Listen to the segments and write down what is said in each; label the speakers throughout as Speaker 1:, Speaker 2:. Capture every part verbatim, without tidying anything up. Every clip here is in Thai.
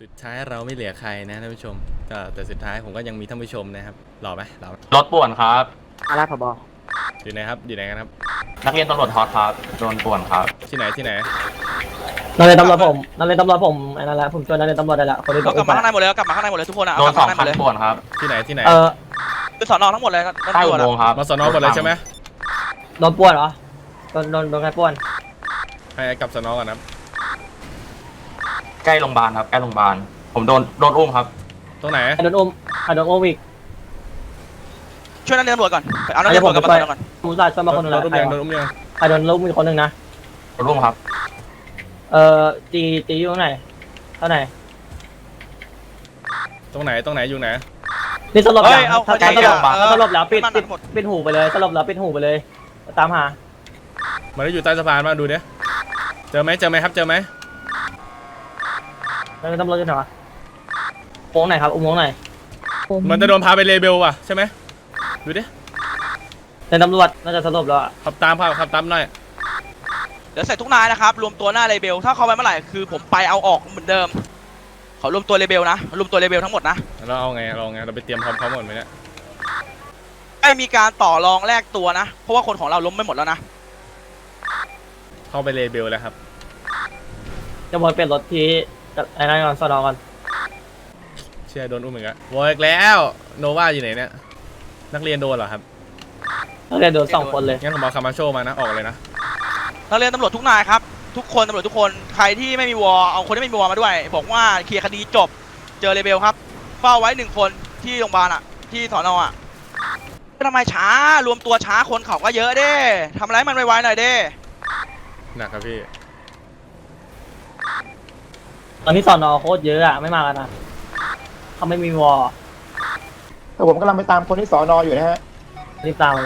Speaker 1: สุดท้ายเราไม่เหลือใครนะท่านผู้ชมก็แต่สุดท้ายผมก็ยังมีท่านผู้ชมนะครับหล่อไหมหล่อไหม
Speaker 2: รถป่วนครับ
Speaker 3: อะไรผบ
Speaker 1: อยู่ไหนครับอยู่ไหนกันครับ
Speaker 2: นักเรียนตำรวจฮอตครับโดนป่วนครับ
Speaker 1: ที่ไหนที่ไหน
Speaker 3: นั่นเลยตำรวจผมนั่นเลยตำรวจผมไอ้นั่นแหละผมจนนั่นเลยตำรวจได้ละคนที่โด
Speaker 4: เรา
Speaker 3: น
Speaker 4: กลับมาข้างในหมดเลยกลับมาข้างในหมดเลยทุกคนอ่ะ
Speaker 2: โด
Speaker 4: เอา
Speaker 2: น
Speaker 4: กลับ
Speaker 2: สอ
Speaker 4: มาง ข้างในหม
Speaker 2: คั
Speaker 4: ด
Speaker 2: น
Speaker 4: เลย
Speaker 2: ป่วนครับ
Speaker 1: ที่ไหนที่ไหน
Speaker 3: เออ
Speaker 4: คือสอนอทั้งหมดเลยครับ
Speaker 2: ใต้อุโมงค์ครับ
Speaker 1: มาสนอหมดเลยใช่ไหม
Speaker 3: โดนป้วนเหรอโดนโดนโดนใครป้วน
Speaker 1: ให้กลับสนอก่อนครับ
Speaker 2: ใกล้โรงพยาบาลครับใกล้โรงพยาบาลผมโดนโดนอุ้มครับ
Speaker 1: ตรงไหน
Speaker 3: ใครโดนอุ้มใครโดนอุ้มอีก
Speaker 4: ช่วยนักเรียนตำรวจก่อนเอานักเรียนตำรวจกลับมาสอนอก่อน
Speaker 3: ผมจ่ายช่วยมาคนหนึง
Speaker 1: โด
Speaker 3: นะ
Speaker 1: นอุ้ม
Speaker 3: ใคร
Speaker 1: ยังโด
Speaker 3: วะ
Speaker 1: นอุ้มยัง
Speaker 3: ใครโดนอุ้มอีกคนหนึงนะ
Speaker 2: โดนอุ้มครับ
Speaker 3: เออจีจีอยู่ตรงไหนเท่าไหร่
Speaker 1: ตรงไหนตรงไหนอยู่ไหน
Speaker 3: นี่สลบ
Speaker 4: เฮ้
Speaker 3: ยั
Speaker 4: ย
Speaker 3: ง
Speaker 4: เอา
Speaker 3: ถ้า
Speaker 4: ใจ
Speaker 3: สลบ
Speaker 4: อ่ะ
Speaker 3: ถ้าสลบแล้วปิด
Speaker 4: มัน
Speaker 3: ปิด
Speaker 4: หมด
Speaker 3: ปิดหูไปเลยสลบแล้วปิดหูไปเลยตามหา
Speaker 1: มันได้อยู่ใต้สะพานมาดูดิเจอไหมเจอไหมครับเจอไหม
Speaker 3: นั่นเลยตำรวจอยู่ไหนวะอุโมงค์ไหนครับอุโมงค์ไหน
Speaker 1: มันจะโดนพาไปเลเบลว่ะใช่ไหมดูดิ
Speaker 3: ในตำรวจน่าจะสลบแล้วอะ
Speaker 1: ขับตามขับขับตามหน่อย
Speaker 4: เดี๋ยวใส่ทุกนายนะครับรวมตัวหน้าเลเบลถ้าเข้าไปเมื่อไหร่คือผมไปเอาออกเหมือนเดิมขอรวมตัวเลเบลนะรวมตัวเลเบลทั้งหมดนะ
Speaker 1: เราเอาไงเราเอาไงเราไปเตรียมพร้อมพร้อมหมดไหมเนี่ย
Speaker 4: ไม่มีการต่อรองแลกตัวนะเพราะว่าคนของเราล้มไม่หมดแล้วนะ
Speaker 1: เข้าไปเลเบลแล้วครับ
Speaker 3: จะวนเปลี่ยนรถที่ไอ้นั่นก่อนสนอก่อน
Speaker 1: เชื่อโดนอุ้มอีกแล้ววออีกแล้วโนวาอยู่ไหนเนี่ยนักเรียนโดนเหรอครับ
Speaker 3: นักเรียนโดนสองคนเลย
Speaker 1: งั้นผมเอาคามาโชมานะออกเลยนะ
Speaker 4: นักเรียนตำรวจทุกนายครับทุกคนตำรวจทุกคนใครที่ไม่มีวอเอาคนที่ไม่มีวอมาด้วยบอกว่าเคลียร์คดีจบเจอเลเบลครับเฝ้าไว้หนึ่งคนที่โรงพยาบาลอ่ะที่สอนออ่ะทำไมช้ารวมตัวช้าคนเขาก็เยอะเด้ทำอะไรมันไวๆหน่อยเด้
Speaker 1: หนักครับพี่
Speaker 3: ตอนนี้สอนอโคตรเยอะอะไม่มากันนะเขาไม่มีวอล
Speaker 5: แต่ผมกำลังไปตามคนที่สอนออยู่นะฮะ
Speaker 3: รีบตามมาเลย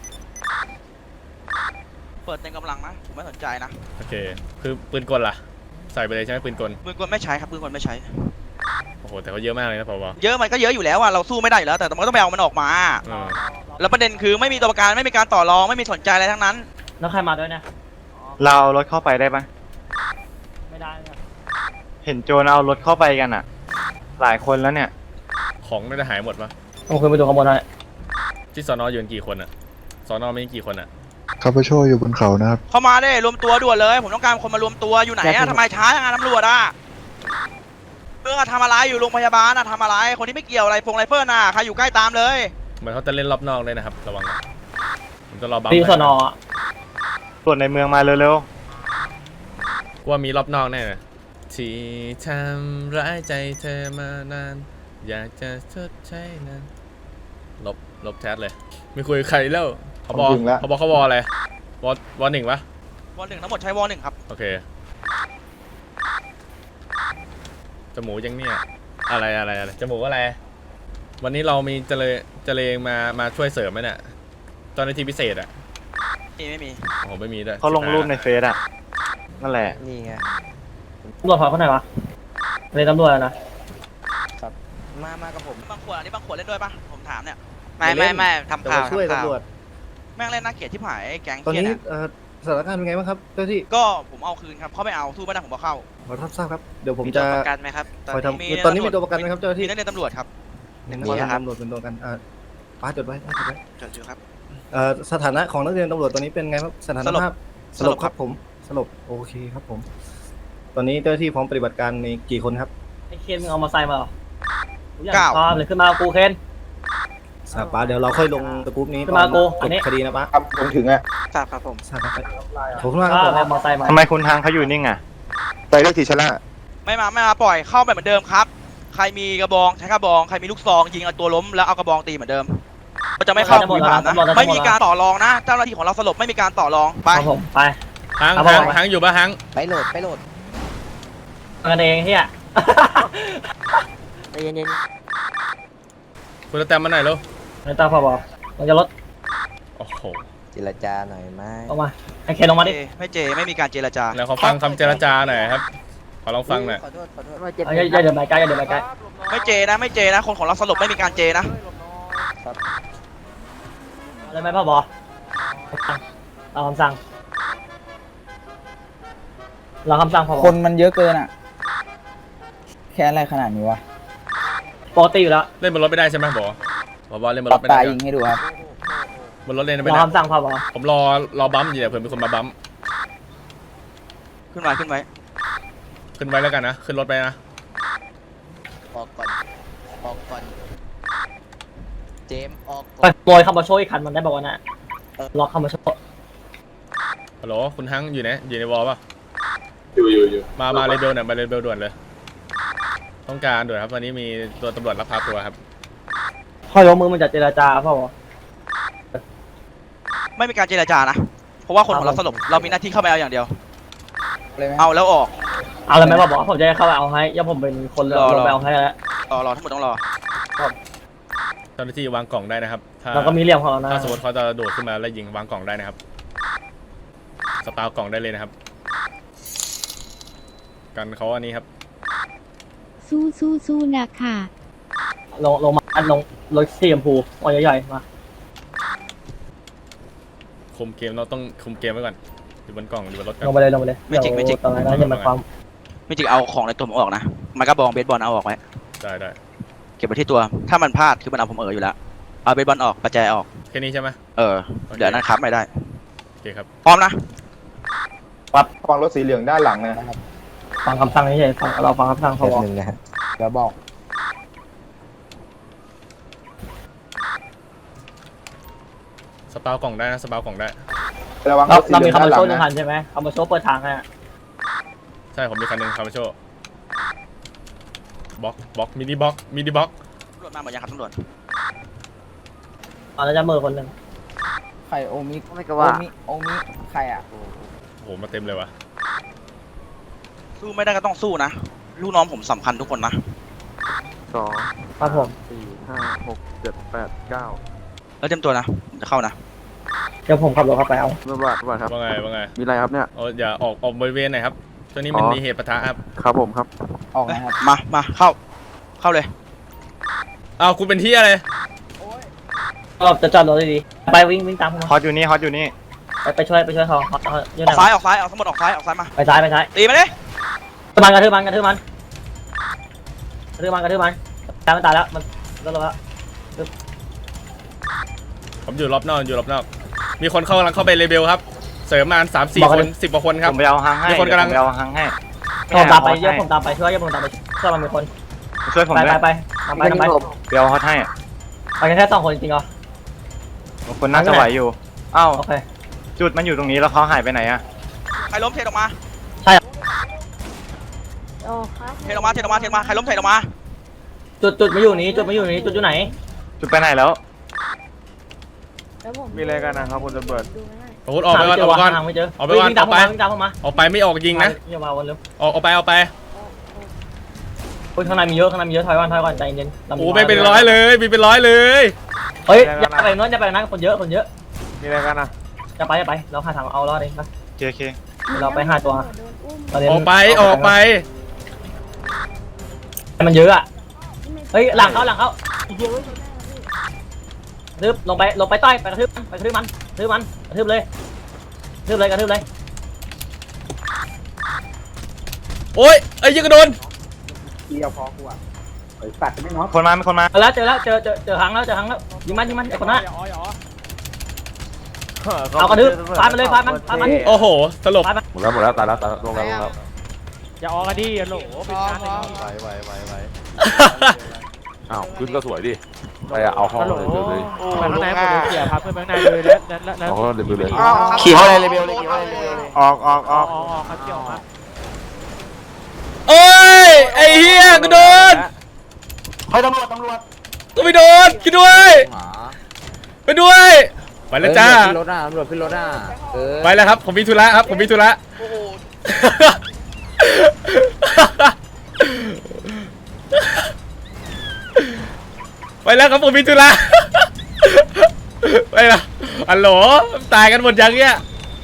Speaker 4: เปิดเต็มกำลังนะผมไม่สนใจนะ
Speaker 1: โอเคคือปืนกลล่ะใส่ไปเลยใช่ไหมปืนกล
Speaker 4: ปืนกลไม่ใช้ครับปืนกลไม่ใช้
Speaker 1: โอ้โหแต่เขาเยอะมากเลยนะผบ
Speaker 4: เยอะมันก็เยอะอยู่แล้วอ่ะเราสู้ไม่ได้อยู่แล้วแต่มันก็ต้องไปเอามันออกมา
Speaker 1: เออ
Speaker 4: แล้วประเด็นคือไม่มีตัวประกันไม่มีการต่อรองไม่มีสนใจอะไรทั้งนั้น
Speaker 3: แล้วใครมาด้วยเนี่ย
Speaker 6: เราเอารถเข้าไปได้ปะ
Speaker 3: ไม่ได้ครับ
Speaker 6: เห็นโจรเอารถเข้าไปกันอ่ะ หลายคนแล้วเนี่ย
Speaker 1: ของน่าจะหายหมดปะ
Speaker 3: ผมเคยไปดูข้างบนหน่อย
Speaker 1: ที่สอนออยู่กันกี่คนอะสอนอมีกี่คนอะ
Speaker 7: คาปาโชอยู่บนเขานะครับ
Speaker 4: เข้ามาได้รวมตัวด่วนเลย ผมต้องการคนมารวมตัวอยู่ไหนอะทำไมช้าอย่างนั้นตำรวจอะเพื่อทำอะไรอยู่โรงพยาบาลอะทำอะไรคนที่ไม่เกี่ยวอะไรพงไรเฟิลน่ะใครอยู่ใกล้ตามเลย
Speaker 1: เหมือนเขาจะเล่นรอบนอกเลยนะครับระวังนะผมจะรอบัม
Speaker 3: ตีสอนอ
Speaker 6: ส่วนในเมืองมาเร็ว
Speaker 1: ว่ามีรอบนอกแน่เลยที่ทำร้ายใจเธอมานานอยากจะชดใช้นั้นลบลบแชทเลยไม่คุยกับใครแล้วเขาบอก
Speaker 5: ผมถึงแล้ว
Speaker 1: เขาบอกเขาวออะไรวอวอหนึ่งปะ
Speaker 4: วอลหนึ่งทั้งหมดใช้วอลหนึ่งครับ
Speaker 1: โอเคจมูกยังเนี่ยอะไรอะไรอะไรจมูกอะไร วันนี้เรามีเจเลเจเลงมามาช่วยเสริมไหมเนี่ยตอนในทีพิเศษอ่ะ
Speaker 4: นี่ไม่มี
Speaker 1: โอ้โหไม่มีด้วย
Speaker 6: ๆเขาลงรูปในเฟซอ่ะ นั่นแหละ
Speaker 8: นี่ไง
Speaker 3: ตำรวจพอเขาไหนวะในตำรวจอะนะ
Speaker 8: มา มากับผม
Speaker 4: บางขวดอันนี้บางขวดเล่นด้วยปะผมถามเนี่ย
Speaker 8: ไม่ไม่ไม่ทำ
Speaker 5: แต่
Speaker 8: ข่า
Speaker 5: ว่าว ช่วย
Speaker 8: ทำข่าว
Speaker 5: ตำรวจ
Speaker 4: แม่งเล่นน่าเกลียดที่ผายแก๊ง
Speaker 5: ตอน
Speaker 4: เคีย
Speaker 5: นี้
Speaker 4: เนี่ย
Speaker 5: เอ่อสถานการณ์เป็นไงบ้างครับเจ้าที่
Speaker 4: ก็ผมเอาคืนครับเขาไม่เอาสู้ไม่ได้ผมก็เข้า
Speaker 5: ขอรับทราบครับ เดี๋ยวผม
Speaker 8: มี
Speaker 5: จะ
Speaker 8: ตัวประกันไหมครับตอน
Speaker 5: คอย
Speaker 8: นี้
Speaker 5: ทำตอนนี้มีตัวประกันไหมครับเจ้าหน้า
Speaker 4: มี
Speaker 5: ที่
Speaker 4: นักเรียนตำรวจครับ
Speaker 8: หนึ่ง
Speaker 5: ข
Speaker 8: มี
Speaker 5: อ
Speaker 8: ครับ
Speaker 5: ตำรวจเป็นตัวประกันอ่าป้าจดไว้ป้าจดไว้
Speaker 4: จดอยู่ครับ
Speaker 5: เอ่อสถานะของนักเรียนตำรวจตอนนี้เป็นไงครับสถานภาพส
Speaker 4: สล
Speaker 5: ล
Speaker 4: บบ ค
Speaker 5: ค
Speaker 4: รั
Speaker 5: รับ บผมสลบโอเคครับผม ตอนนี้เจ้าหน้าที่พร้อมปฏิบัติการมีกี่คนครับ
Speaker 3: ไอ้เคนมึงเอามาใส่มาเหรอทุกอย่างพร้อมเลยขึ้นมากูเคน
Speaker 5: ทราบป้าเดี๋ยวเราค่อยลงตะกรุ๊ปนี้
Speaker 3: ขึ้นมากู
Speaker 5: จ
Speaker 3: อัน
Speaker 5: บ
Speaker 3: นี้
Speaker 5: คดีนะป้าครับผมถึงอ่ะ
Speaker 8: ทราบครับผม
Speaker 5: ทราบครับขอบคุณมากครับผม
Speaker 3: เอามาใส่มา
Speaker 6: ทำไมคุณทางเขาอยู่นิ่งอ่ะ
Speaker 5: ไปเลือกทีชนะ
Speaker 4: ไม่มาไม่มาปล่อยเข้าแบบเหมือนเดิมครับ ใครมีกระบองใช้กระบองใครมีลูกซองยิงเอาตัวล้มแล้วเอากระบองตีเหมือนเดิมเราจะไม่เข้าคุยผ่านนะไม่มีการต่อรองนะ เจ้าหน้าที่ของเราสลบไม่มีการต่อรองไป
Speaker 3: ครับผมไป
Speaker 1: ฮัง
Speaker 3: ครับ
Speaker 1: ฮัง
Speaker 3: ผม
Speaker 1: ฮังอยู่ปะฮัง
Speaker 8: ไปโหลด ไปโหลด
Speaker 3: กันเองเฮีย
Speaker 8: ใจเย็น
Speaker 1: คุณจะแต้มมาหน่อยเร็ว
Speaker 3: ในตาพอบอกมันจะลด
Speaker 1: โอ้โห
Speaker 8: ๆเจรจาหน่อยไหม
Speaker 3: ออกมาไอ้เคนลงมาดิ
Speaker 4: เจไม่เจไม่มีการเจรจา
Speaker 1: แล้วขอฟังคำเจรจาหน่อยครับขอลองฟังหน่อย
Speaker 8: ขอโทษ ขอโทษ
Speaker 3: เอาอย่าอย่าเดินไปใกล้อย่าเดินไปใกล้
Speaker 4: ไม่เจนะไม่เจนะคนของเราสลบไม่มีการเจนะ
Speaker 3: อะไรไหมพ่อบอเราคำสั่งเราคำสั่งพอบอ
Speaker 9: คนมันเยอะเกินอ่ะ
Speaker 8: แค่อะไรขนาดนี้วะ
Speaker 3: ปกติอยู่แล้ว
Speaker 1: เล่นบนรถไม่ได้ใช่ไหมบอกบอกว่าเล่นบน
Speaker 8: ป
Speaker 1: ร
Speaker 8: รับ
Speaker 1: ถไม่
Speaker 8: ตา
Speaker 1: ได้
Speaker 8: ยิงให้ดูครับ
Speaker 1: บนรถเล่น
Speaker 3: ร
Speaker 1: ไม่
Speaker 3: อ
Speaker 1: ได้
Speaker 3: คำสั่งพอบอก
Speaker 1: ผมรอรอบัมป์อยู่เนี่ยเผื่อมีคนมาบัมป์
Speaker 4: ขึ้นไว้ขึ้นไว้
Speaker 1: ขึ้นไว้แล้วกันนะขึ้นรถไปนะ
Speaker 8: ออกก่อน ออกก่อน เจมส์ออกก่
Speaker 3: ไป
Speaker 8: อน
Speaker 3: โปรยคำมาโชว์อีกคันมันได้บอกว่าน่ะล็อกคำมาโชว์
Speaker 1: ฮัลโหลคุณฮังอยู่ไหนอยู่ในวอลป่ะอยู่อยู่อยู่มามาเรเบลเนี่ยมาเรเบลด่วนเลยต้องการด่วนครับตอนนี้มีตัวตำรวจรับพาตัวครับ
Speaker 3: พอยกมือมันจะเจรจาพ่อบอก
Speaker 4: ไม่มีการเจรจานะเพราะว่าคนของเราสลบเรามีหน้าที่เข้าไปเอาอย่างเดียว
Speaker 8: เลยไหม
Speaker 4: เอาแล้วออก
Speaker 3: เอาอะไรไหมบอกผมจะเข้าไปเอาให้ย่าผมเป็นคนลงไปเอาให้แล้ว
Speaker 4: รอรอทั้งหมดต้องรอ
Speaker 1: เจ้าหน้าที่วางกล่องได้นะครับถ้า
Speaker 3: เราก็มีเรื่องของเรานะ
Speaker 1: ถ้าสมมติเขาจะโดดขึ้นมาแล้วยิงวางกล่องได้นะครับสปาวกล่องได้เลยนะครับ กันเขาอันนี้ครับ
Speaker 9: สู้สู้สู้นะค่ะ
Speaker 3: ลงลงมาลงรถสีชมพูอ๋อใหญ่ๆมา
Speaker 1: คุมเกมเราต้องคุมเกมไว้ก่อนอยู่บนกล่องอยู่บนรถกัน
Speaker 3: ลงไปเลยลงไปเลยเดี๋ยวตอนนั้นจะมาความ
Speaker 4: ไม่จริงเอาของในตัวผมออกนะมันก็บองเบสบอลเอาออกไว้
Speaker 1: ได้ได้
Speaker 4: เก็บไว้ที่ตัวถ้ามันพลาดคือมันเอาผมเอออยู่แล้วเอาเบสบอลออกประแจออก
Speaker 1: แค่นี้ใช่ไหม
Speaker 4: เออเดี๋ยวนั้นครับไม่ได้
Speaker 1: โอเคครับ
Speaker 4: พร้อมนะ
Speaker 5: ฟังรถสีเหลืองด้านหลังนะ
Speaker 3: ฟังคำสั่งเฉยๆฟังเราฟังคำสั่งเขา
Speaker 8: แป๊
Speaker 3: บอก
Speaker 8: บนึงนะฮะเดี๋ยวบอก
Speaker 1: สปาวกล่องได้นะสปาวกล่องได้
Speaker 5: ระวัง
Speaker 3: เรา
Speaker 5: รถสี
Speaker 3: เรา
Speaker 5: เหลื
Speaker 3: มี
Speaker 5: อง
Speaker 3: คำ
Speaker 5: ด้าน
Speaker 3: มา
Speaker 5: หลั
Speaker 3: โช
Speaker 5: ง
Speaker 3: ว์หนึ่งคั
Speaker 5: นะ
Speaker 3: นใช่ไหมคำมาโชว์เปิดทางให้
Speaker 1: ใช่ผมมีคันหนึ่งคาร์โชบล็อกบล็อกมินิบล็อกมินิบล็อก
Speaker 4: ตำรวจมาหมดยังครับตำรวจ
Speaker 3: ตอนนั้นจะมือคนหนึ่ง
Speaker 8: ใครโอมิไม่ก็ว่า โอมิ โอมิ ใครอ่ะ
Speaker 1: โอ้โหมาเต็มเลยวะ
Speaker 4: สู้ไม่ได้ก็ต้องสู้นะลูกน้องผมสำคัญทุกคนนะ
Speaker 6: สอง
Speaker 3: ครับผม
Speaker 6: สี่ห้าหกเจ็ดแปดเก้า
Speaker 4: แล้วเตรียมตัวนะผมจะเข้านะ
Speaker 3: เดี๋ยวผมขับรถเข้าไปเอา
Speaker 6: เมื่อวานเมื่อวานครับ
Speaker 1: ว่าไงว่าไง
Speaker 6: มีอะไรครับเนี่ย
Speaker 1: เอาอย่าออกออกบริเวณหน่อยครับตัวนี้มัน
Speaker 6: อ๋อ
Speaker 1: มีเหตุปะทะครับ
Speaker 6: ครับผมครับ
Speaker 8: ออกนะครับ
Speaker 4: มามาเข้าเข้าเลย
Speaker 1: อ้าวคุณเป็นที่อะไร
Speaker 3: เราจะจอดรถดีๆไปวิ่งวิ่งตามผม
Speaker 6: ฮอตอยู่นี่ ฮอตอยู่นี่
Speaker 3: ไปไปช่วยไปช่วยเขาเขาเขาอยู่
Speaker 4: อ
Speaker 3: ไหน
Speaker 4: อกซ้ายออกซ้ายออกทั้งหมดออกซ้ายออกซ้ายมา
Speaker 3: ไปซ้ายไปซ้าย
Speaker 4: ตีมาเลย
Speaker 3: กระทืบมันกระทืบมันกระทืบมันกระทืบมันกระทืบมันตายมันตายแล้วมันก็ลงแล้ว
Speaker 1: ผมอยู่รอบนอกอยู่รอบนอก มีคนเข้ากำลังเข้าไปเลเบลครับ เสริมมาสามสี่คนสิบกว่าคนครับ
Speaker 6: ผมไปเอาฮังให้
Speaker 1: มีคนกำลัง
Speaker 6: เดี๋ยวผมไปเอาฮังให้
Speaker 3: ผมตามไปเย
Speaker 6: เดี๋
Speaker 3: อะ
Speaker 6: ว
Speaker 3: ผมตามไปช่วยเยอะผมตามไปช่วยมันเป็นคน
Speaker 6: ช่วยผม
Speaker 3: ไป
Speaker 6: ด้ว
Speaker 3: ไป
Speaker 6: ย
Speaker 3: ไปตามไปตามไป
Speaker 6: เดี๋ยวเอาฮอตให้
Speaker 3: ไปกันแค่สองคนจริงๆเหรอ
Speaker 6: คนน่าจะไหวอยู่อ้าว
Speaker 3: โอเค
Speaker 6: จุดมันอยู่ตรงนี้แล้วเขาหายไปไหนอะ
Speaker 4: ใครล้มเทออกมา
Speaker 9: โอ้ครับ
Speaker 4: เทออกมาเทออกมาเทออกมาใครล้มเทออกมา
Speaker 3: จุดจุดไม่อยู่นี้จุดไม่อยู่นี้จุดอยู่ไหน
Speaker 6: จุดไปไหนแล้ว
Speaker 9: แล้วผม
Speaker 6: มีอะไรกันนะครับคุณตำรวจ
Speaker 9: ดูไม่ได้
Speaker 1: โอ้โหออกไปก่อนออกไปก่อน
Speaker 3: หาไม่เจอ
Speaker 1: ออกไปก่อน
Speaker 3: วิ่งตามผม
Speaker 1: ออกไป
Speaker 3: มาวิ่งตามผมมา
Speaker 1: ออกไปไม่ออกยิงนะ
Speaker 3: อย่ามาวนเร็ว
Speaker 1: ออกออกไปออกไป
Speaker 3: เฮ้ยข้างในมีเยอะข้างในมีเยอะถอยก่อนถอยก่อนใจเย็น
Speaker 1: โอ้ไม่เป็นร้อยเลยมีเป็นร้อยเลย
Speaker 3: เฮ้ยอย่าไปโน้นอย่าไปนั้นคนเยอะคนเยอะ
Speaker 6: มีอะไรกันอะ
Speaker 3: อย่าไปอย่าไปเราหาทางเอารอดเองนะ
Speaker 6: เจเค
Speaker 3: เราไปหาตัว
Speaker 9: โดนอุ้ม
Speaker 3: ตอนนี้
Speaker 1: ออกไปออกไป
Speaker 3: มันเยอะอ่ะเฮ้ยหลังเขาหลังเขากระทืบลงไปลงไปใต้ไปกระทืบไปกระทืบมันกระทืบมันกระทืบเลยกระทืบเลยกระทืบเลย
Speaker 1: โอ้ยไอ้ยยิงกระโดน
Speaker 6: คนมามีคนมา
Speaker 3: เจอแล้วเจอแล้วเจอเจอเจอหางแล้วเจอหางแล้วยิงมันยิงมันไอ้คนนั้นเอากระทืบฟาดมันเลยฟาดมันฟาดมัน
Speaker 1: โอ้โหสลบ
Speaker 3: ฟาดมัน
Speaker 10: หมดแล้วหมดแล้วตายแล้วตายแล้วลงแล้วลงแล้ว
Speaker 6: อย่าออกกันดิอย่าโหลเป็นการเลย
Speaker 10: ไหวไหวไหวไหวอ้าวขึ้นก็สวยดิไปอะเอาห้องเลยเลยเลย
Speaker 6: ข้างในผมเสียพักเพื่อนข้างในเลยแล้วแล้วแล้ว
Speaker 10: เอาห้องเลยเลย
Speaker 8: ขี่เข้าเลยเลเบลเลยขี่เข้าเลยเลเบลเลย
Speaker 6: ออกออกออก
Speaker 3: ออกครับเกี่ยวครับ
Speaker 1: โอ้ยไอ้เหี้ยกระโดน
Speaker 8: เฮ้ยตำรวจตำรวจ
Speaker 1: ก็ไปโดนคิดด้วยไปด้วยไปแล้วจ้า
Speaker 8: ขึ้นรถอ่ะตำรวจขึ้นรถอ่ะเออ
Speaker 1: ไปแล้วครับผมมีธุระครับผมมีธุระ
Speaker 4: โอ้โห
Speaker 1: ไปแล้วครับผมมีธุระ ไปแล้วฮัลโหลตายกันหมดยังเนี่ย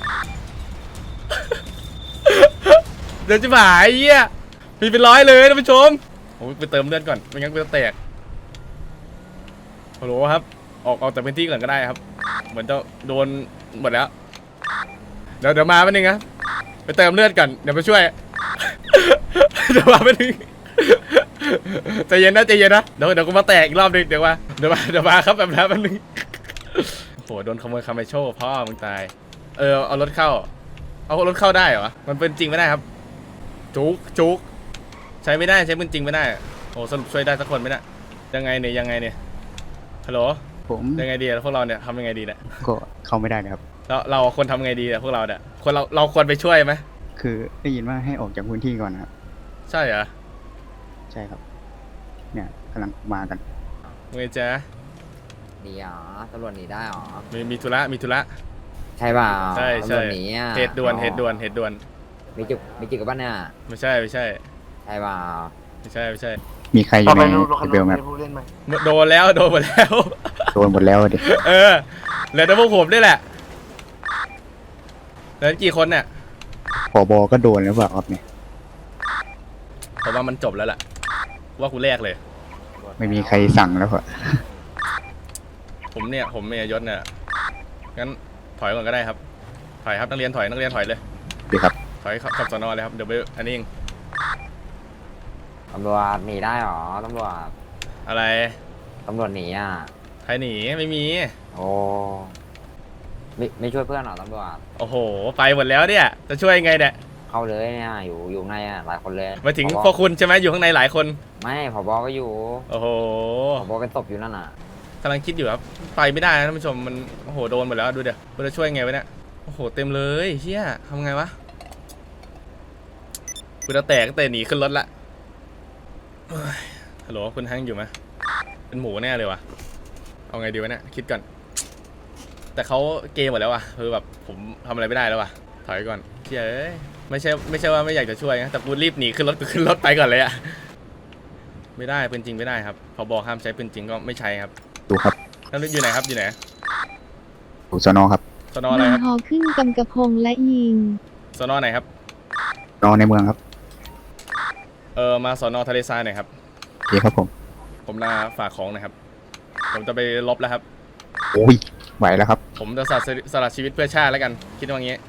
Speaker 1: เดี๋ยวจะหายเหี้ยมีเป็นร้อยเลยท่านผู้ชมผมไปเติมเลือดก่อนไม่งั้นกูจะแตกฮัลโหลครับออกออกจากพื้นที่ก่อนก็ได้ครับเหมือนจะโดนหมดแล้วเดี๋ยวเดี๋ยวมาแป๊บนึงนะไปเติมเลือดก่อนเดี๋ยวไปช่วย เดี๋ยวมาแป๊บนึงใจเย็นนะใจเย็นนะเดี๋ยวเดี๋ยวกูมาแตกอีกรอบหนึงเดี๋ยวมาเดี๋ยวมาเดี๋ยวมาครับแบบนั้นแป๊บนึงโหโดนขโมยคาเมโชพ่อมึงตายเออเอารถเข้าเอารถเข้าได้เหรอมันเป็นจริงไม่ได้ครับจุกจุกใช้ไม่ได้ใช้เป็นจริงไม่ได้โอ้สรุปช่วยได้สักคนไหมเนี่ยยังไงเนี่ยยังไงเนี่ยฮัลโหล
Speaker 11: ผม
Speaker 1: ยังไงดีอะพวกเราเนี่ยทำยังไงดีเนี่ย
Speaker 11: ก็เข้าไม่ได้นะครับ
Speaker 1: เราเราควรทำไงดีอะพวกเราเนี่ยควรเราเราควรไปช่วยไหม
Speaker 11: คือได้ยินว่าให้ออกจากพื้นที่ก่อนนะครับ
Speaker 1: ใช่เหรอ
Speaker 11: ใช่ครับ เนี่ยกำลังมากัน
Speaker 1: ไงจ๊ะ
Speaker 8: หนีเหรอตำรวจหนีได้เหรอ
Speaker 1: มีมีธุระมีธุระ
Speaker 8: ใช่เปล่า
Speaker 1: ใช่ใช่
Speaker 8: ตำรวจหนีอ่ะ
Speaker 1: เหตุด่วนเหตุด่วนเหตุด่วน
Speaker 8: มีจุกมีจุกกับบ้านเนี่ย
Speaker 1: ไม่ใช่ไม่ใช่
Speaker 8: ใช่เปล่า
Speaker 1: ไม่ใช่ไม่ใช่
Speaker 11: มีใครอยู่ในเบลไหมครับ
Speaker 1: โดนแล้วโดนหมดแล้ว
Speaker 11: โดนหมดแล้วดิ
Speaker 1: เออเหลือแต่พวกผมนี่แหละเหลือกี่คนเนี่ย
Speaker 11: ผบก็โดนแล้วเปล่าครับเนี่ย
Speaker 1: ผมว่ามันจบแล้วล่ะว่ากูแรกเลย
Speaker 11: ไม่มีใครสั่งแล้วเหรอ
Speaker 1: ผมเนี่ยผมเมียยศเนี่ยงั้นถอยก่อนก็ได้ครับถอยครับนักเรียนถอยนักเรียนถอยเลย
Speaker 11: ดีครับ
Speaker 1: ถอยขับสนเลยครับเดี๋ยวไปอันนี้เอง
Speaker 8: ตำรวจหนีได้เหรอตำรวจ
Speaker 1: อะไร
Speaker 8: ตำรวจหนีอ่ะ
Speaker 1: ใครหนีไม่มี
Speaker 8: โอ้ไม่ไม่ช่วยเพื่อนเหรอตำรวจ
Speaker 1: โอ้โหไปหมดแล้วเนี่ยจะช่วยยังไงเนี่ย
Speaker 8: เข้าเลยเนี่ยอยู่อยู่ในอ่ะหลายคนเลย
Speaker 1: มาถึง
Speaker 8: ผบ
Speaker 1: พวกคุณใช่ไหมอยู่ข้างในหลายคน
Speaker 8: ไม่ผบก็อยู่
Speaker 1: โอ้โห
Speaker 8: ผบเป็นตบอยู่นั่นน่ะ
Speaker 1: กำลังคิดอยู่ครับไปไม่ได้นะท่านผู้ชมมันโอ้โหโดนหมดแล้วดูเดี๋ยวมันจะช่วยไงวะเนี่ยโอ้โหเต็มเลยเฮียทำไงวะกูจะแตกตั้งแต่หนีขึ้นรถละเฮ้ยฮัลโหลคุณฮังอยู่ไหมเป็นหมูแน่เลยวะเอาไงดีวะเนี่ยคิดก่อนแต่เขาเกมหมดแล้ววะคือแบบผมทำอะไรไม่ได้แล้ววะถอยก่อนเฮียเอ้ยไม่ใช่ไม่ใช่ว่าไม่อยากจะช่วยนะแต่กูรีบหนีขึ้นรถกูขึ้นรถไปก่อนเลยอะไม่ได้ปืนจริงไม่ได้ครับพอบอกห้ามใช้ปืนจริงก็ไม่ใช้ครับ
Speaker 11: ดูครับ
Speaker 1: นั่นอยู่ไหนครับอยู่ไหน
Speaker 11: ดูสนอครับ
Speaker 1: สนออะไร
Speaker 9: มา
Speaker 1: ครับ
Speaker 9: หอขึ้นกำกระพงและยิง
Speaker 1: สนอไหนครับ
Speaker 11: นอในเมืองครับ
Speaker 1: เออมาสนอทะเลทรายหน่อยครับ
Speaker 11: โอเคครับผม
Speaker 1: ผมลาฝากของหนะครับ ผมจะไปลบแล้วครับ
Speaker 11: โอ้ยไหวแล้วครับ
Speaker 1: ผมจะสละสละชีวิตเพื่อชาติแล้วกัน คิดว่างี้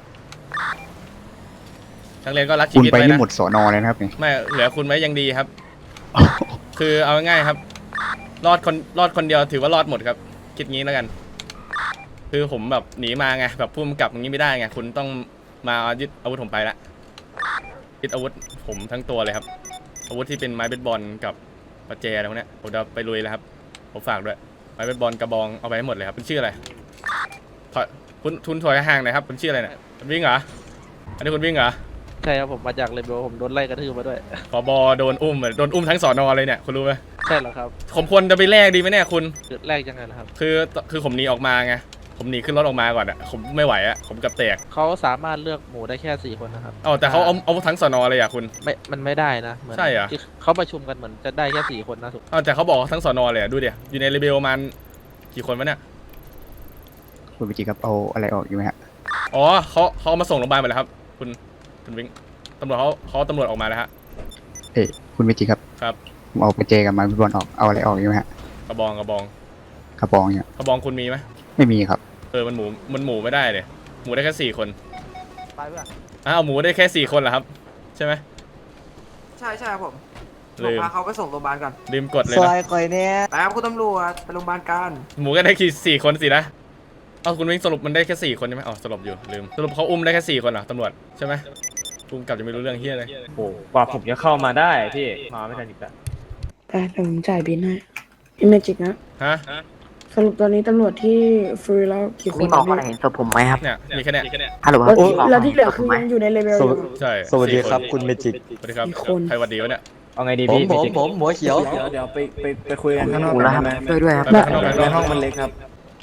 Speaker 1: นักเรียนก็รักชี
Speaker 11: คุณ
Speaker 1: วิต
Speaker 11: ไป
Speaker 1: ไว้
Speaker 11: นี่
Speaker 1: นะ
Speaker 11: หมดสอนอเลยนะครับนี่
Speaker 1: ไม่เหลือคุณไว้ยังดีครับ คือเอาง่ายๆครับ รอดคนรอดคนเดียวถือว่ารอดหมดครับ คิดงี้แล้วกัน คือผมแบบหนีมาไงแบบพุ่มกลับอย่างนี้ไม่ได้ไงคุณต้องมายึดอาวุธผมไปละยึดอาวุธผมทั้งตัวเลยครับ อาวุธที่เป็นไม้เบสบอลกับประแจอะไรพวกเนี้ยผมจะไปลุยแล้วครับผมฝากด้วยไม้เบสบอลกระบองเอาไปให้หมดเลยครับคุณชื่ออะไรถอยคุณทุนถอยห่างหน่อยครับคุณชื่ออะไรเนี่ยคุณวิ่งเหรออันนี้คุณวิ่งเหรอ
Speaker 12: ใช่ครับผมมาจากเลเบลผมโดนไล่กระทืบมาด้วย
Speaker 1: ผบโดนอุ้มเหมือนโดนอุ้มทั้งสอนอเลยเนี่ยคุณรู้ไหม
Speaker 12: ใช่เหรอครับ
Speaker 1: ผมควรจะไปแลกดีไหมเนี่ยคุณ
Speaker 12: จุดแรกยังไงล่ะครับ
Speaker 1: คือคือผมหนีออกมาไงผมหนีขึ้นรถออกมาก่อนอะผมไม่ไหวอะผมกับแตก
Speaker 12: เขาสามารถเลือกหมูได้แค่สี่คนนะครับ
Speaker 1: อ๋อแต่เขาเอาเอาทั้งสอนอเลยอะคุณ
Speaker 12: ไม่มันไม่ได้นะเหมือน
Speaker 1: ใช่เหรอ
Speaker 12: ที่เขาประชุมกันเหมือนจะได้แค่สี่คนนะถูก
Speaker 1: อ๋อแต่เขาบอกทั้งสอนอเลยอะดูเดี๋ยวอยู่ในเรเบลประมาณกี่คนวะเนี่ย
Speaker 11: คุณวิจิครับเอาอะไรออกอยู่ไหมฮะ
Speaker 1: อ๋อเขาเขาเอามาส่งโรงพยาบาลไปแล้วครับ คุณคุณวิงตำรวจเขาเขาตำรวจออกมาแล้วฮะ
Speaker 11: เอ้ยคุณวิจิครับ
Speaker 1: ครับ
Speaker 11: ผมเอาไปเจกับไม้เบสบอลออกเอาอะไรออกอยู่ไหมฮะ
Speaker 1: กระบองกระบอง
Speaker 11: กระบองเนี่ย
Speaker 1: กระบองคุณมีไหม
Speaker 11: ไม่มีครับ
Speaker 1: เออมันหมูมันหมูไม่ได้เลยหมูได้แค่สี่คน
Speaker 12: ไปเพื่อน
Speaker 1: อ้าวหมูได้แค่สี่คนเหรอครับ ใช่ไหม
Speaker 12: ใช่ใช่ครับผม
Speaker 1: ลืม
Speaker 12: พาเขาไปส่งโรงพยาบาลก่อน
Speaker 1: ลืมกดเลย
Speaker 12: ซ
Speaker 1: นะ
Speaker 12: อยคอยเนี่ยไปครับคุณตำรวจไปโรงพยาบาลกัน
Speaker 1: หมูก็ได้แค่สี่คนสินะเอาคุณวิ่งสรุปมันได้แค่สี่คนใช่ไหมอ๋อสรุปอยู่ลืมสรุปเขาอุ้มได้แค่สี่คนเหรอตำรวจใช่ไหมอุ้มกลับจะไม่รู้เรื่องเฮียเลย
Speaker 3: โอ้กว่าผมจะเข้ามาได้พี่มาไม่ทันอีกแล้ว
Speaker 9: แต่เดี๋ยวผมจ่ายบินให้พี่เมจิกนะ
Speaker 1: ฮะ
Speaker 9: สรุปตอนนี้ตำรวจที่ฟรีแล้วกี่คน
Speaker 8: มีบอกว่าเห็นศพผมไหมครับ
Speaker 1: เนี่ยมีแค่เนี้ย
Speaker 8: ฮัลโหลครับ
Speaker 9: แล้วที่เหลือคือยังอยู่ในเลเวลอยู่
Speaker 1: ใช่
Speaker 5: สวัสดีครับ
Speaker 1: สี่น
Speaker 5: คุณเมจิก
Speaker 1: สวัสดีครับ
Speaker 9: กี่คน
Speaker 1: ใครหวัดดีวะเนี่ย
Speaker 3: เอาไงดี
Speaker 5: ผม
Speaker 3: พี่
Speaker 5: ผม
Speaker 3: เมจิก
Speaker 5: ผมหัวเขียว
Speaker 12: เดี๋ยวเดี๋ยวไปไปไปคุยกันข้างนอก
Speaker 8: กูแล้วครับช่วยด้วยครับ
Speaker 1: ไปข้างนอกไป
Speaker 5: ใน
Speaker 1: ข้างน
Speaker 5: ห้
Speaker 1: อ
Speaker 5: อก งมันเล็กครับ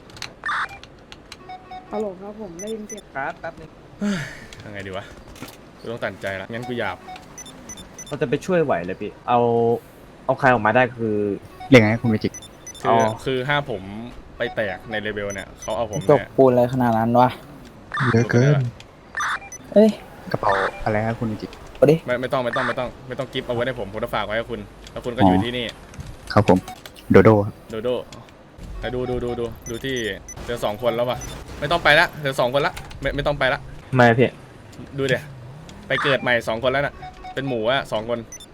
Speaker 9: ฮัลโหลครับผมได้ยินเสียง
Speaker 12: ครับแป๊บนึง
Speaker 1: ยังไงดีวะกูต้องตัดใจละงั้นกูหยาบ
Speaker 3: เราจะไปช่วยไหวเลยพี่เอาเอาใครออกมาได้คือ
Speaker 11: เรียกไงคุณวิจิ
Speaker 1: คื
Speaker 3: อ๋
Speaker 1: อ
Speaker 3: อ
Speaker 1: คือห้าผมไปแตกในเลเวลเนี่ยเขาเอาผม
Speaker 12: จบ
Speaker 1: เนี่ย
Speaker 12: ปูนอะไรขนาดนั้นวะ
Speaker 7: เยอะเกิน
Speaker 12: เอ้ย
Speaker 11: กระเป๋าอะไรครับคุณวิจิ
Speaker 1: ไม่ไม่ต้องไม่ต้องไม่ต้องไม่ต้องกิฟต์เอาไว้ให้ผมผมจะฝากไว้ให้คุณแล้วคุณก็อยู่ที่นี่
Speaker 11: ครับผม โดโดครับ
Speaker 1: โดโดไปดูดูดูดูดูที่เหลือสองคนแล้วว่ะไม่ต้องไปละเหลือสองคนละไม่ไม่ต้องไปละ
Speaker 3: ไม่พี่
Speaker 1: ดูเดี๋ยไปเกิดใหม่สองคนแล้วน่ะเป็นหมูอะสองคน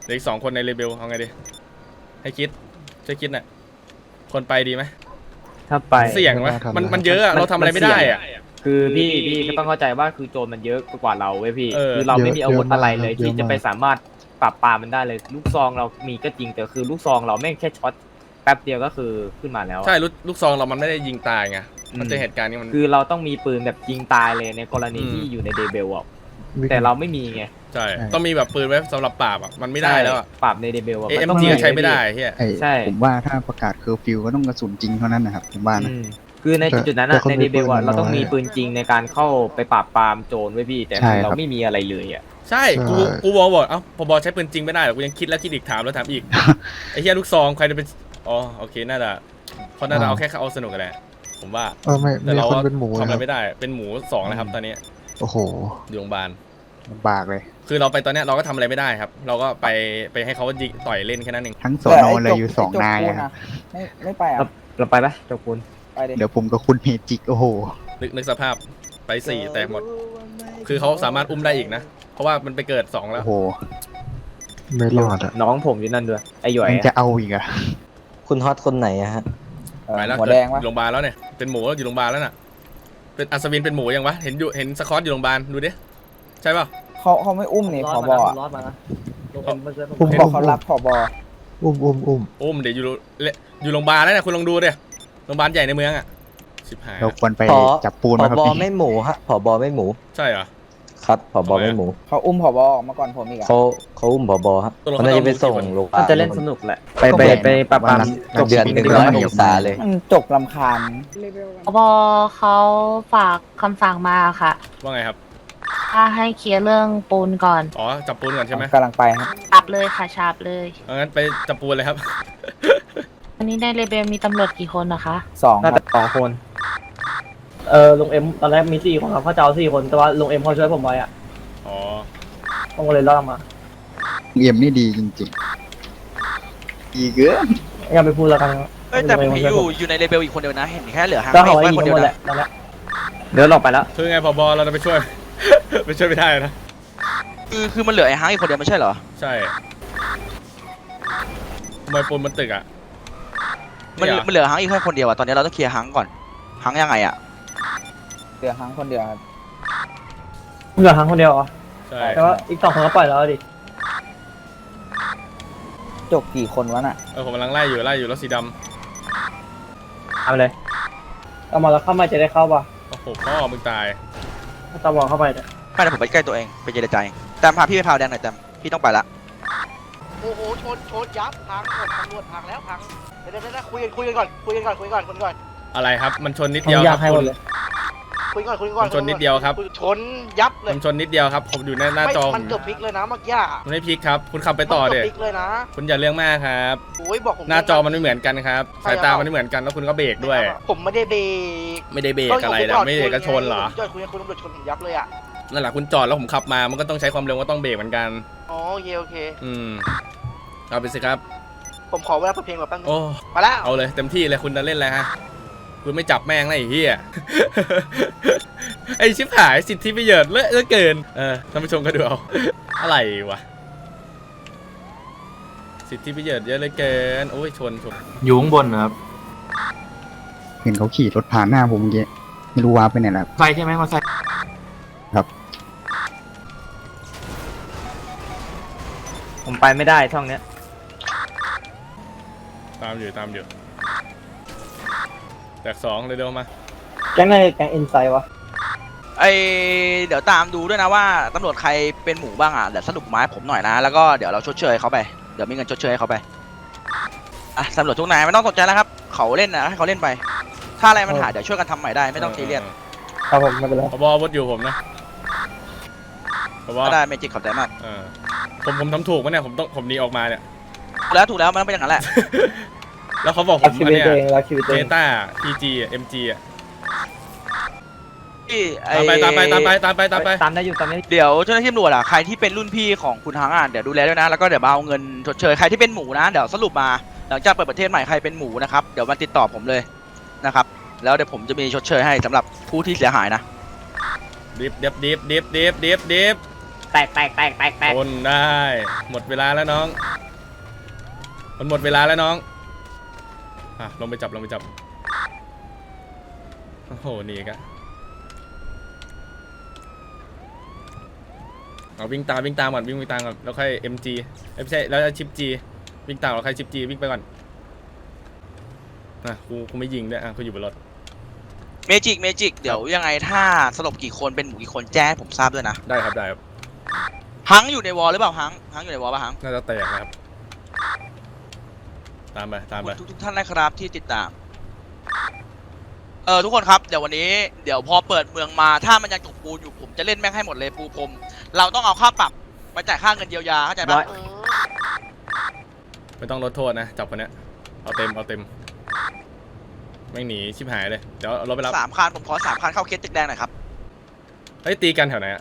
Speaker 1: เหลืออีกสองคนในเลเบลเอาไงดีให้คิดช่วยคิดหน่อยคนไปดีไหม
Speaker 3: ถ้าไป
Speaker 1: เสี่ยงไหมมันมันเยอะอะเราทำอะไรไม่ได้อะ
Speaker 3: คือพี่พี่ก็ต้องเข้าใจว่าคือโจรมันเยอะกว่าเราเว้ยพี่
Speaker 1: เออ
Speaker 3: คือเราไม่มีอาวุธอะไรเลย
Speaker 7: เยอะมาก
Speaker 3: ที่จะไปสามารถปราบปรามมันได้เลย ลูกซองเรามีก็จริงแต่คือลูกซองเราแม่งแค่ช็อตแป๊บเดียวก็คือขึ้นมาแล้วอะ
Speaker 1: ใช่ลูกลูกซองเรามันไม่ได้ยิงตายไง
Speaker 3: อืม
Speaker 1: มันเจอเหตุการณ์นี้มัน
Speaker 3: คือเราต้องมีปืนแบบยิงตายเลยในกรณี
Speaker 1: อืม
Speaker 3: ที่อยู่ในเดเบลอ่ะแต่เราไม่มีไง
Speaker 1: ใช่ต้องมีแบบปืนไว้สำหรับปราบอ่ะมันไม่ได้แล้วอ่ะ
Speaker 3: ปราบในเดเบลอ่ะ
Speaker 1: เอ็
Speaker 3: น
Speaker 1: ม
Speaker 3: ต้อง
Speaker 1: จีก็ใช้ไม่ได้เฮีย
Speaker 7: ไอ้
Speaker 3: ใช่
Speaker 7: ผมว่าถ้าประกาศเคอร์ฟิวก็ต้องกระสุนจริงเท่านั้นนะครับผมว่านะ
Speaker 3: อืมคือในจุดๆนั้น
Speaker 7: แต่
Speaker 3: อะ
Speaker 7: คน
Speaker 3: ใน
Speaker 7: มี
Speaker 3: เดเบลอ่ะ
Speaker 7: ปืน
Speaker 3: เราต้อง
Speaker 7: น้อย
Speaker 3: มีปืนจริงในการเข้าไปปราบปรามโจรไว้พี่ แต่
Speaker 7: ใช่
Speaker 3: คือเรา
Speaker 7: ครับ
Speaker 3: ไม่มีอะไรเลยอ่ะ
Speaker 1: ใช่กู
Speaker 7: ใช่
Speaker 1: กูบอกบอกเอ้าพอบอใช้ปืนจริงไม่ได้หรอกกูยังคิดแล้วคิดอีกถามแล้วถามอีก ไอ้เฮียลูกซองใครจะเป็นอ๋อโอเคน่าจะเพราะน่าจะเอาแค่เอาสนุกกันแหละผมว่า
Speaker 7: เออไม่
Speaker 1: แต่
Speaker 7: มี
Speaker 1: เรา
Speaker 7: คนเป็นหมู
Speaker 1: ทำ
Speaker 7: นะ
Speaker 1: อะ
Speaker 7: ค
Speaker 1: ไร
Speaker 7: รับ
Speaker 1: ไม่ได้เป็นหมูสองแล้วครับตอนนี้
Speaker 7: โอ้โห
Speaker 1: อยู่โรงพยาบาล
Speaker 7: ลำบากเลย
Speaker 1: คือเราไปตอนเนี้ยเราก็ทำอะไรไม่ได้ครับ เราก็ไปไปให้เขายิงต่อยเล่นแค่นั้นเอง
Speaker 7: ทั้งสอนอเลยอยู่สองนายอะครับ
Speaker 12: ไม่ไม่ไปอ่ะ
Speaker 3: เราเราไปปะโจกุน
Speaker 12: ไปดิ
Speaker 7: เดี๋ยวผมกับคุณเมจิกโอ้โห
Speaker 1: นึกนึกสภาพไปสี่แตกหมด คือเขาสามารถอุ้มได้อีกนะ เพราะว่ามันไปเกิดสองแล้ว
Speaker 7: โอ้โห ไม่รอดอ่ะ
Speaker 3: น้องผมอยู่นั่นด้วยไอ้หย่อย
Speaker 7: ยัง
Speaker 3: อะ
Speaker 7: จะเอาอีกอ่ะ
Speaker 8: คุณฮอตคนไหนอะฮะ
Speaker 12: เออ
Speaker 1: ไปแล้ว
Speaker 12: หัว
Speaker 1: เกิด
Speaker 12: แดงวะ
Speaker 1: โรงพยาบาลแล้วเนี่ยเป็นหมูอยู่โรงพยาบาลแล้วน่ะเป็นอัศวินเป็นหมูยังวะเห็นอยู่เห็นสกอตอยู่โรงพยาบาลดูดิใช่ป่ะ
Speaker 12: เขาเขาไม่อุ้มนี่ผบอ่ะ
Speaker 3: รอดมานะลงเอ็มมาช่วยผม
Speaker 12: ผม
Speaker 7: เห็น
Speaker 12: บอกเขารับผบ
Speaker 7: อุ้มอุ้มอุ้ม
Speaker 1: อุ้มเดี๋ยวอยู่โรงอยู่โรงพยาบาลแล้วเนี่ยคุณลองดูดิโรงพยาบาลใหญ่ในเมืองอ่ะชิบหาย
Speaker 7: เราควรไป
Speaker 8: ขอ
Speaker 7: จับปูน
Speaker 8: ผ
Speaker 7: มาครับ
Speaker 8: บ
Speaker 7: พี่
Speaker 8: ไม่หมูฮะผบไม่หมู
Speaker 1: ใช่เหรอ
Speaker 8: ครับผบไม่หมู
Speaker 12: เขาอุ้มผบออกมาก่อนผมอีกอ่ะ
Speaker 8: เขาเขาอุ้มผบครับ
Speaker 1: ตกลง
Speaker 8: มันน่าจะไปส่ง
Speaker 1: เขาเอา
Speaker 8: โรงพยา
Speaker 3: มัน
Speaker 8: บาล
Speaker 3: จะเล่นสนุกแหละไปไปไปปราบปราม
Speaker 7: จบ
Speaker 8: เดือนหนึ่งแล้วไม่ศึกษาเลย
Speaker 12: มันจกลำคาญ
Speaker 9: เลเวล
Speaker 13: พบเขาฝากคำสั่งมาค่ะ
Speaker 1: ว่าไงครับ
Speaker 13: ถ้าให้เคลียร์เรื่องปูนก่อน
Speaker 1: อ๋อจับปูนก่อนใช่ไหม
Speaker 12: กำลังไปครับ
Speaker 13: จับเลยค่ะฉาบเลย
Speaker 1: เอางั้นไปจับปูนเลยครับ
Speaker 13: อันนี้ในเรเบลมีตำรวจกี่คนนะคะ
Speaker 12: สองค
Speaker 3: น่า
Speaker 12: รับ
Speaker 3: จะสองคน เออลงเอ็มตอนแรกมีสี่คนครับเขาจะเอาสี่คนแต่ว่าลงเอ็มเขาช่วยผมไว้อ่ะ
Speaker 1: อ๋อ
Speaker 3: ผมก็เลยรอดมา
Speaker 7: เอ็มนี่ดีจริงๆดีเกิน
Speaker 3: อย่าไปพูดแล้วกัน
Speaker 4: เอ้ยแต่ผมเห็นอยู่อยู่ในเลเบลอีกคนเดียวนะ เห็นแค่เหลือหาง
Speaker 3: ก็
Speaker 4: เม
Speaker 3: เขา
Speaker 4: ฆ
Speaker 3: ไว้
Speaker 4: ไว้
Speaker 3: ยิง
Speaker 4: คน
Speaker 3: กัน
Speaker 4: เดีย
Speaker 3: หม
Speaker 4: ว
Speaker 3: ดแห
Speaker 4: นะ
Speaker 3: ละนั่นแหละเดี๋ยวหลอกไปแล้ว
Speaker 1: คือไงพอบอเราจะไปช่วย ไปช่วยไม่ได้นะ
Speaker 4: คือคือมันเหลือไอ้หางอีกคนเดียวไม่ใช่เหรอ
Speaker 1: ใช่ทำไมปูนมันตึกอ่ะ
Speaker 4: มันเหลือ
Speaker 1: เย
Speaker 4: มันเหลือหางอีกแค่คนเดียวอะตอนนี้เราต้องเคลียร์หางก่อนหางยังไงอะ
Speaker 12: เดือดทั้งคนเดียวครับ
Speaker 3: เหลือครั้งคนเดียวเหรอ
Speaker 1: ใช่
Speaker 3: แต่ว่าอีกสองคนก็ปล่อยแล้วดิ
Speaker 12: จกกี่คนวะน่ะ
Speaker 1: เออผมกำลังไล่อยู่ไล่อยู่รถสีด
Speaker 3: เอาไปเลยเอามาแล้วเข้ามาจะได้เข้าป่ะ
Speaker 1: ำโอ้โหพ่อมึงตาย
Speaker 3: ถ้าตะวันเข้าไปเนี่ย
Speaker 4: ไม่แต่ผมไปใกล้ตัวเองไปเจรจาเองแต่พาพี่ไปพาวแดงหน่อยแต่พี่ต้องไปละโอ้โหชนชนยับพังหมดตำรวจพังแล้วพังเดี๋ยวเดี๋ยวคุยกันคุยกันก่อนคุยกันก่อนคุยกันก่อนคุยกันก่อน
Speaker 1: อะไรครับ มันชนนิด
Speaker 3: ผม
Speaker 1: เดียว
Speaker 3: อ
Speaker 1: ค
Speaker 3: ยา
Speaker 1: รั
Speaker 3: ก
Speaker 1: บ
Speaker 3: ให้หม
Speaker 1: คุ
Speaker 3: ด
Speaker 1: ณ
Speaker 3: เลย
Speaker 4: คุยก่อนคุยก่อน
Speaker 1: มันชนนิดเดียวครับ
Speaker 4: ชนยับเลย
Speaker 1: มันชนนิดเดียวครับ ผมอยู่ในหน้าจอ
Speaker 4: มันเกือบพลิกเลยนะเมื่อกี้
Speaker 1: มันไม่พลิกครับ คุณขับไปต่อเดี๋ย
Speaker 4: มันกืบพลิกเลยนะ
Speaker 1: คุณอย่าเรื่องมากครับ
Speaker 4: โอ้ยบอกผม
Speaker 1: หน้าจอมันไม่เหมือนกันครับ สายตามันไม่เหมือนกันแล้วคุณก็เบรกด้วย
Speaker 4: ผมไม่ได้เบรก
Speaker 1: ไม่ได้เบรกอะไรนะไม่ได้กระชนเหรอ
Speaker 4: จอดคุยกับคุณตำรวจชนผมยับเลยอ่ะ
Speaker 1: นั่นแหละคุณจอดแล้วผมขับมา มันก็ต้องใช้ความเร็วก็ต้องเบรกเหมือนกัน
Speaker 4: อ๋อโอเคโอเค
Speaker 1: อืมเอาไปสิครับ
Speaker 4: ผมขอเวลาเปิดเพลงแบบแป๊บนึง
Speaker 1: โอ้
Speaker 4: มาแล้ว
Speaker 1: เอาเลยเต็มที่เลยคุณจะเล่นอะไรฮะคุณไม่จับแม่งนะไอ้เหี้ย ไอ้ชิบหายสิทธิประโยชน์เลอะเหลือเกินเออท่านผู้ชมก็ดูเอา อะไรวะสิทธิประโยชน์เยอะเหลือเกินโอ้ยชนชน
Speaker 2: อยู่ข้างบนนะครับ
Speaker 7: เห็นเขาขี่รถผ่านหน้าผมเมื่อกี้ไม่รู้ว่าไปไหนแล้ว
Speaker 2: ใช่ใช่ไหมมาใส่
Speaker 3: ผมไปไม่ได้ช่องเนี้ย
Speaker 1: ตามอยู่ตามอยู่แตกสองเลยเดี๋ยวมา
Speaker 3: แก๊งไหนแก๊งอินไซด์วะ
Speaker 4: ไอเดี๋ยวตามดูด้วยนะว่าตำรวจใครเป็นหมูบ้างอ่ะเดี๋ยวสรุปมาให้ผมหน่อยนะแล้วก็เดี๋ยวเราชดเชยเขาไปเดี๋ยวมีเงินชดเชยให้เขาไปอ่ะตำรวจทุกนายไม่ต้องสนใจแล้วครับเขาเล่นนะให้เขาเล่นไป ถ้าอะไรมันหายเดี๋ยวช่วยกันทำใหม่ได้ไม่ต้องซีเรียส
Speaker 3: ครับผมไม่เป็นไร
Speaker 1: พบวดอยู่ผมนะพบ
Speaker 4: ก็ได้เมจิกขอบใจมาก
Speaker 1: เออผมผมทำถูกไหมเนี่ยผมต้องผมหนีออกมาเนี่ย
Speaker 4: ถูกแล้วถูกแล้วมันต้องเป็นอย่างนั้นแหละ
Speaker 1: แล้วเขาบอกผ
Speaker 3: รัก
Speaker 1: ม
Speaker 3: ชี
Speaker 1: อั
Speaker 3: วิ
Speaker 1: น
Speaker 3: ต
Speaker 1: เนี้ย
Speaker 3: ตัวเองรักชีวิต
Speaker 1: เจ
Speaker 3: ตัวเอง
Speaker 1: ต้าพีจีเอ็มจีอ่ะ
Speaker 4: ที่ไอ้
Speaker 1: ตามไปตามไปตามไปตามไปตามไป
Speaker 3: ตามได้อยู่ตามได้
Speaker 4: เดี๋ยวเจ้าหน้าที่ตำรวจอ่ะใครที่เป็นรุ่นพี่ของคุณฮังอ่ะเดี๋ยวดูแลด้วยนะแล้วก็เดี๋ยวมาเอาเงินชดเชยใครที่เป็นหมูนะเดี๋ยวสรุปมาหลังจากเปิดประเทศใหม่ใครเป็นหมูนะครับเดี๋ยวมาติดต่อผมเลยนะครับแล้วเดี๋ยวผมจะมีชดเชยให้สำหรับผู้ที่เสียหายนะ
Speaker 1: ดิฟดิฟดิฟดิฟดิฟดิฟดิฟ
Speaker 3: ตแตกแตกแตกแตกแตก
Speaker 1: ทนได้ หมดเวลาแล้วน้อง มันหมดเวลาแล้วน้อง อ่ะลงไปจับลงไปจับ โอ้โหหนี่กะเอาวิ่งตามวิ่งตามก่อนวิ่งไปตามก่อนแล้วค่อย เอ็ม จี เอ้ยไม่ใช่แล้วชิป G วิ่งตามแล้วค่อยชิป G วิ่งไปก่อนนะกูกูไม่ยิงด้วยอ่ะกูอยู่บนรถ
Speaker 4: เมจิกเมจิกเดี๋ยวยังไงถ้าสลบกี่คนเป็นหมู่กี่คนแจ้งให้ผมทราบด้วยนะ
Speaker 1: ได้ครับได้ครับ
Speaker 4: ฮังอยู่ในวอลหรือเปล่าฮังฮังอยู่ในวอลป่ะฮัง
Speaker 1: น่าจะแตกนะครับ ตามไปตาม
Speaker 4: ขอบ
Speaker 1: ไป
Speaker 4: คุณทุกๆท่านนะครับที่ติดตามเออทุกคนครับเดี๋ยววันนี้เดี๋ยวพอเปิดเมืองมาถ้ามันยังจกปูนอยู่ผมจะเล่นแม่งให้หมดเลยปูพรมเราต้องเอาค่าปรับไปจ่ายค่าเงินเยียวยาเข้าใจปะ
Speaker 1: ไม่ต้องลดโทษนะจับคนเนี้ยเอาเต็มเอาเต็มแม่งหนีชิบหายเลยเดี๋ยวเอารถไปรับ
Speaker 4: สามคันผมขอสามคันเข้าเคสตึกแดงหน่อยครับ
Speaker 1: เฮ้ยตีกันแถวไหนอะ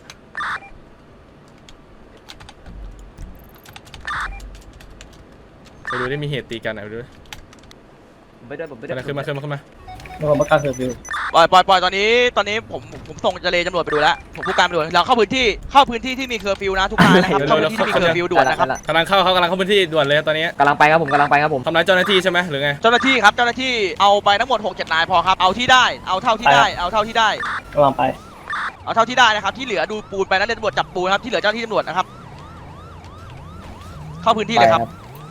Speaker 1: ไปดูได้มีเหตุตีกันอะไปดูดิ
Speaker 3: ผมไม่ได้ผมไม่
Speaker 1: ขึ้
Speaker 3: ได้
Speaker 1: นมาขึ้นมาขึ้นมาขึ้นมา
Speaker 5: เมื่อประกาศเคอร์ฟิว
Speaker 4: ปล่อยปล่อยปล่อยตอนนี้ตอนนี้ผมผมผมส่งเจเลตำรวจไปดูแล้วผมผู้การไปดูเราเข้าพื้นที่เข้าพื้นที่ที่มีเคอร์ฟิวนะทุกนายนะครับเข้าพื้นที่ที่มีเคอร์ฟิวด่วนนะครับ
Speaker 1: กำลังเข้าเขากำลังเข้าพื้นที่ด่วนเลยตอนนี้
Speaker 3: กำลังไปครับผมกำลังไปครับผม
Speaker 1: ทำร้ายเจ้าหน้าที่ใช่ไหมหรือไง
Speaker 4: เจ้าหน้าที่ครับเจ้าหน้าที่เอาไปทั้งหมดหกเจ็ดนายพอครับเอาที่ได้เอาเท่าที่ได้เอาเท่าที่ได้
Speaker 5: กำลังไป
Speaker 4: เอาเท่าที่ได้นะครับที่เหลือดูปูนไปนะเรียนตำรวจจับปูนครับที่เหลือเจ้าหน้าที่ตำรวจนะครับเข้าพื้นที่เลยครับ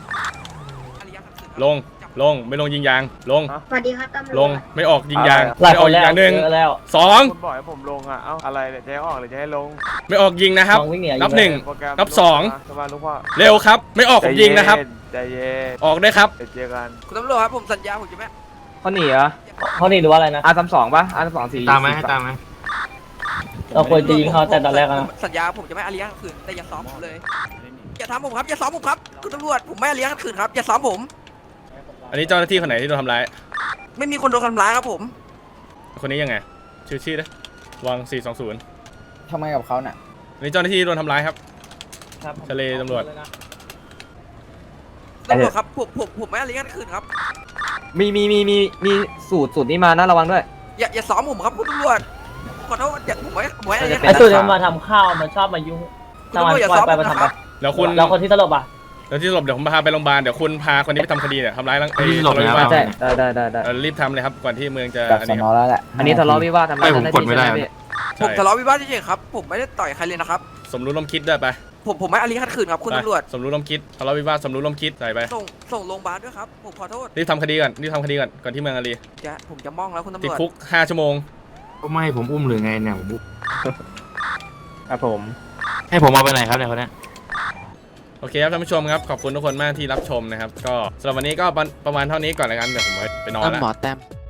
Speaker 1: ลงลงไม่ลงยิงยางลง
Speaker 9: สวัสดีครับตำรวจ
Speaker 1: ลงไม่ออกยิงยางไม่ออกยิงยางหนึ่งสอง
Speaker 6: คุณบอกให้ผมลงอ่ะ เอ้าอะไรเนี่ยจะให้ออกหรือจะให้ลง
Speaker 1: ไม่ออกยิงนะครับนับหนึ่ง
Speaker 6: โปรแกรม
Speaker 1: นับสอง
Speaker 6: สบายลูกพ่อ
Speaker 1: เร็วครับ ไม่ออกผมยิงนะครับ
Speaker 6: ใจเย็น
Speaker 1: ออกด้วยครับ
Speaker 6: เดี๋ยวเจอกัน
Speaker 8: คุณตำรวจครับผมสัญญาผมจะไม่
Speaker 3: เขาหนีเหรอ
Speaker 5: เขานี่หรือว่าอะไรนะ
Speaker 3: อาร์สามสองป่ะอาร์สามสองสี่
Speaker 2: ตามไหมให้ตามไหม
Speaker 5: เราควรจะยิงเขาแต่ตอนแรกนะ
Speaker 8: สัญญาผมจะไม่อาเลี้ยงคืนแต่อย่าซ้อมผมเลยอย่าทำผมครับอย่าซ้อมผมครับคุณตำรวจผมไม่อาเลี้ยงคืนครับอย่าซ้อมผม
Speaker 1: อันนี้เจ้าหน้าที่คนไหนที่โดนทำร้าย
Speaker 8: ไม่มีคนโดนทำร้ายครับผม
Speaker 1: คนนี้ยังไงชื่อชื่อนะวังสี่สองศูนย์
Speaker 12: ทำไมกับเขาน่ะ
Speaker 1: อันนี้เจ้าหน้าที่โดนทำร้ายครับ
Speaker 5: ครับ
Speaker 1: ทะเลตำรวจ
Speaker 8: ตำรวจครับผมผมผมไม่อาเลี้ยงคืนครับ
Speaker 3: มีมีมีมีมีสูตรสูตรนี้มานะระวังด้วย
Speaker 8: อย่าอย่าซ้อมผมครับคุณตำรวจขอโทษอย่าผมไม่ผมไม่อาเลี้ยง
Speaker 3: ไอ้สูตรนี้มาท
Speaker 5: ข้าวมันชอบมายุ่ง
Speaker 8: คุณตำรวจอย่าซ้อมผมนะครับ
Speaker 1: แล้วคุณ
Speaker 5: แล้วคนที่ตลบอ่ะ
Speaker 1: แล้วที่สลบเดี๋ยวผมพาไปโรงพยาบาลเดี๋ยวคุณพาคนนี้ไปทำคดีเนี่ยทำร้ายร่างกาย
Speaker 2: ที่สลบเนี่ย
Speaker 1: ทะเลาะวิวาท
Speaker 3: ใช่ได้ได้ได้ได้
Speaker 1: เออรีบทำเลยครับก่อนที่เมืองจะ
Speaker 12: จาก
Speaker 1: อัน
Speaker 12: ส
Speaker 1: นี้
Speaker 12: นอแล้วแหละ
Speaker 3: อันนี้ทะเลาะวิวาททำร้าย
Speaker 2: ไม่ผม
Speaker 3: เจ้าหน้าก
Speaker 2: ดไม่ได้
Speaker 3: ที่ใช่หพี่
Speaker 8: ผม
Speaker 1: ใช่
Speaker 8: ทะเลาะวิวาทเฉยๆครับผมไม่ได้ต่อยใครเลยนะครับ
Speaker 1: สมรู้ร่วมคิดด้วยไป
Speaker 8: ผมผมไม่อาเลี้ยงคืนครับคุณ
Speaker 1: ไป
Speaker 8: ตำรวจ
Speaker 1: สมรู้ร่วมคิดทะเลาะวิวาทสมรู้ร่วมคิดใส่ไป
Speaker 8: ส่งส่งโรงพยาบาลด้วยครับผมขอโทษ
Speaker 1: รีบทำคดีก่อนรีบทำคดีก่อนก่อนที่เมืองอารี
Speaker 8: จะผมจะมองแล้วคุณตำ
Speaker 1: ติ
Speaker 8: ร
Speaker 1: ด
Speaker 8: วจ
Speaker 1: คุกห้าชั่วโมง
Speaker 2: ก็ไม่ให้ผมอุ้มหรือไงเนี่ยผมอุ้ม
Speaker 3: ครับผม
Speaker 2: ให้ผมเอาไปไหนครับเนี่ยคนเนี้ย
Speaker 1: โอเคครับท่านผู้ชมครับขอบคุณทุกคนมากที่รับชมนะครับก็สำหรับวันนี้ก็ประมาณเท่านี้ก่อนแล้วกันเดี๋ยวผมไปนอน
Speaker 8: ตั้ม
Speaker 1: แล้ว
Speaker 8: หมอแต้ม